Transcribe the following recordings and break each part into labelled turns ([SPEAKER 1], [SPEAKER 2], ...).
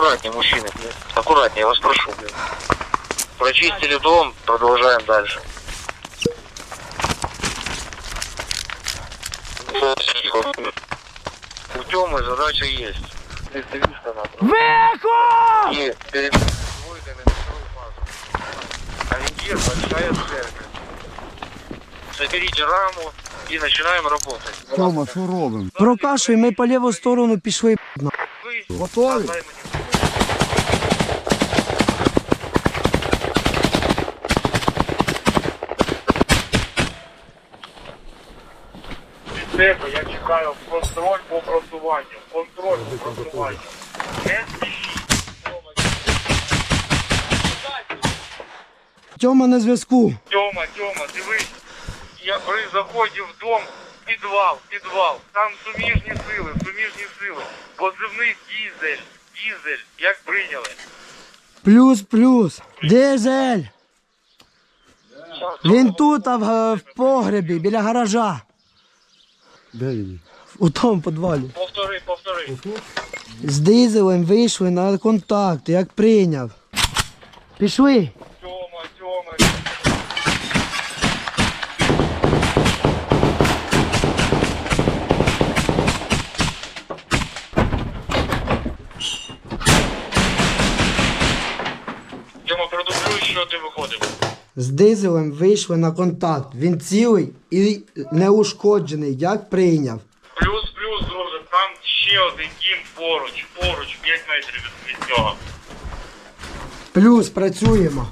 [SPEAKER 1] Аккуратнее, мужчины. Аккуратнее, я вас прошу. Прочистили дом, продолжаем дальше. У Тёмы задача есть.
[SPEAKER 2] Вихо!
[SPEAKER 1] И перед двойкой на вторую фазу. Ориентир, большая церковь. Соберите раму и начинаем работать.
[SPEAKER 3] Тьома, що робимо?
[SPEAKER 2] Прокашуй, ми по ліву сторону пішли.
[SPEAKER 1] Вы
[SPEAKER 3] Готові?
[SPEAKER 1] Тебе, я чекаю контроль по просуванню. Контроль по просуванню. Не спішіть.
[SPEAKER 2] Тьома на зв'язку.
[SPEAKER 1] Тьома, дивись. Я при заході в дом, підвал. Там суміжні сили. Позивний дізель. Як прийняли?
[SPEAKER 2] Плюс. Дизель. Він тут, а в погребі, біля гаража.
[SPEAKER 3] Де він?
[SPEAKER 2] У тому підвалі.
[SPEAKER 1] Повтори.
[SPEAKER 2] З дизелем вийшли на контакт, як прийняв. Пішли.
[SPEAKER 1] Тьома. Тьома, продублюй, що ти виходив.
[SPEAKER 2] З дизелем вийшли на контакт. Він цілий і неушкоджений, як прийняв.
[SPEAKER 1] Плюс, друже, там ще один дім поруч, 5 метрів від нього.
[SPEAKER 2] Плюс, працюємо.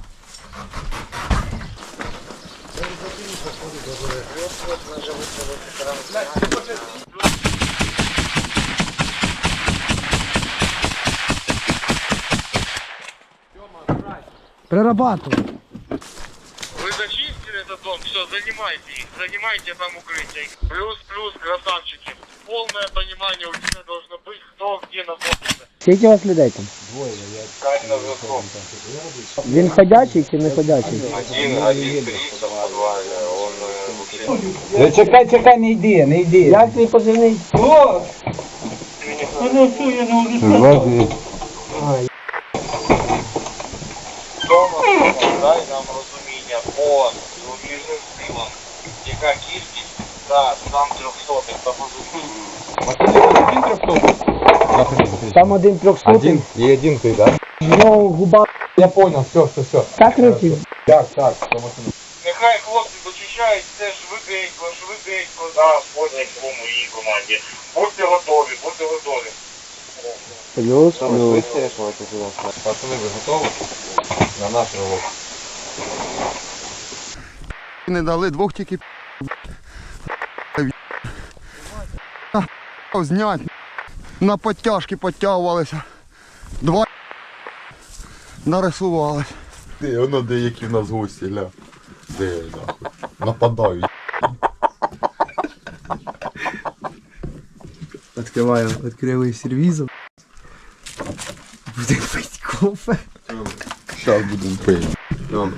[SPEAKER 2] Прорабатывай.
[SPEAKER 1] Вы зачистили этот дом, все, занимайте их, занимайте там укрытие. Плюс, красавчики. Полное понимание у тебя должно быть, кто где находится.
[SPEAKER 2] Скільки у вас людей там?
[SPEAKER 1] Кать на зв'язку.
[SPEAKER 2] Він ходячий чи не ходячий?
[SPEAKER 1] Один, 3, он вообще...
[SPEAKER 4] Чекай, не йди.
[SPEAKER 2] Як твій позивний?
[SPEAKER 1] Тома, дай нам розуміння по суміжним силам. Яка кількість? Так, там 300 по позиції.
[SPEAKER 2] Там один 300.
[SPEAKER 4] И один ты, да?
[SPEAKER 2] В нього губа
[SPEAKER 4] Я понял, все.
[SPEAKER 2] закриті.
[SPEAKER 4] Так.
[SPEAKER 1] Нехай хлопці дочищають все швиденько, да, потім в моїй команді. Будьте готові.
[SPEAKER 2] Плюс.
[SPEAKER 4] Пацаны, вы готовы? На наш рывок.
[SPEAKER 3] Не дали, двох тільки знять. На підтяжки підтягувалися. Два нарисувались.
[SPEAKER 5] Де, воно деякі в нас гості, ля. Де, нахуй. Нападають.
[SPEAKER 2] Відкрили сервізом. Будемо пити кофе.
[SPEAKER 5] Зараз будемо пити.